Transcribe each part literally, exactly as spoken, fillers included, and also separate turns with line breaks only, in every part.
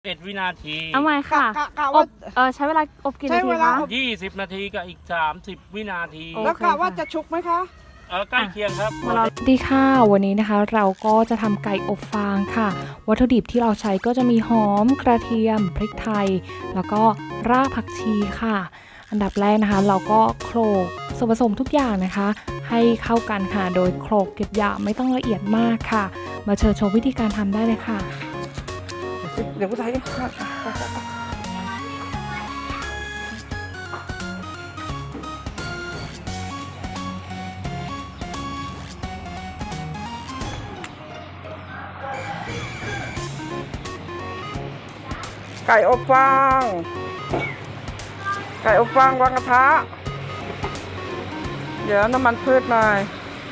เอ็ดวินาที
เอาใหม่ค่ะ
กะกะ
อ
ว่า
บเออใช้เวลาอบกี่
ใช้
นาที
เวลา
คะ
อบ
ยี่สิบนาทีกับอีกสามสิบวินาที
โอ
แล้วกะว่าจะชุกไหมคะ
เออใกล้เคียงครับ
มาเราดีค่ะวันนี้นะคะเราก็จะทำไก่อบฟางค่ะ วัตถุดิบที่เราใช้ก็จะมีหอมกระเทียมพริกไทย แล้วก็รากผักชีค่ะ อันดับแรกนะคะเราก็โขลกส่วนผสมทุกอย่างนะคะ ให้เข้ากันค่ะโดยโขลกเก็บหยาบไม่ต้องละเอียดมากค่ะ มาเชิญชมวิธีการทำได้เลยค่ะ
เดี๋ยวกูถ่ายไก่อบฟางไก่อบฟางวางกระทะเดี๋ยวน้ำมันพืชหน่อย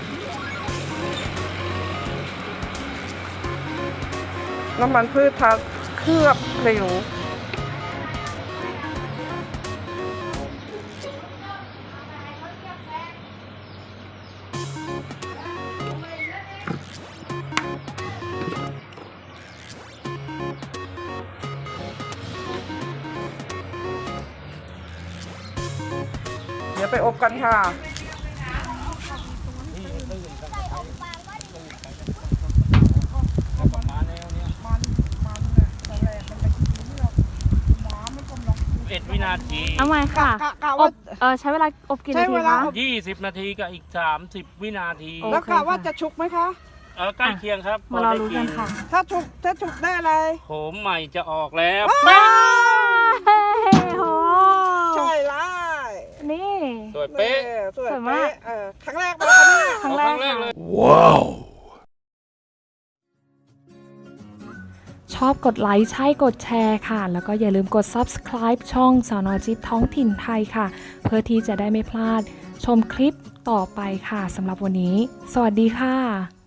น้ำมันพืชทาเคลือบผิวเดี๋ยวไปอบกันค่ะ
เอ็ดวินาที
เอาใหม่ค่ะ
กะกะ
อ
ว่า
บเออใช้เวลาอบกี่นา
ใช้
ที
เวลา
คะ
อบ
ยี่สิบนาทีกับอีกสามสิบวินาที
โอ้
แล้วกะว่าจะชุกไหมคะ
เออใกล้เคียงครับ
มาเรารู้กันค่ะ
ถ้าชุกถ้าชุกได้อะไร
โหมใหม่จะออกแล้ว
ว้าวโห
ใช่ไล่
นี่
สวยเป๊ะ
สวย
สวยมาก
เป๊ะเออครั้งแรกมาแล้วค่ะเนี่ย
ครั้ง
เอา
แร
ค
ก
รั้งแรก
ค่ะ
เลย
ชอบกดไลค์ใช่กดแชร์ค่ะ แล้วก็อย่าลืมกด ซับสไครบ์ ช่องสน.จิ๊บท้องถิ่นไทยค่ะ เพื่อที่จะได้ไม่พลาดชมคลิปต่อไปค่ะสำหรับวันนี้ สวัสดีค่ะ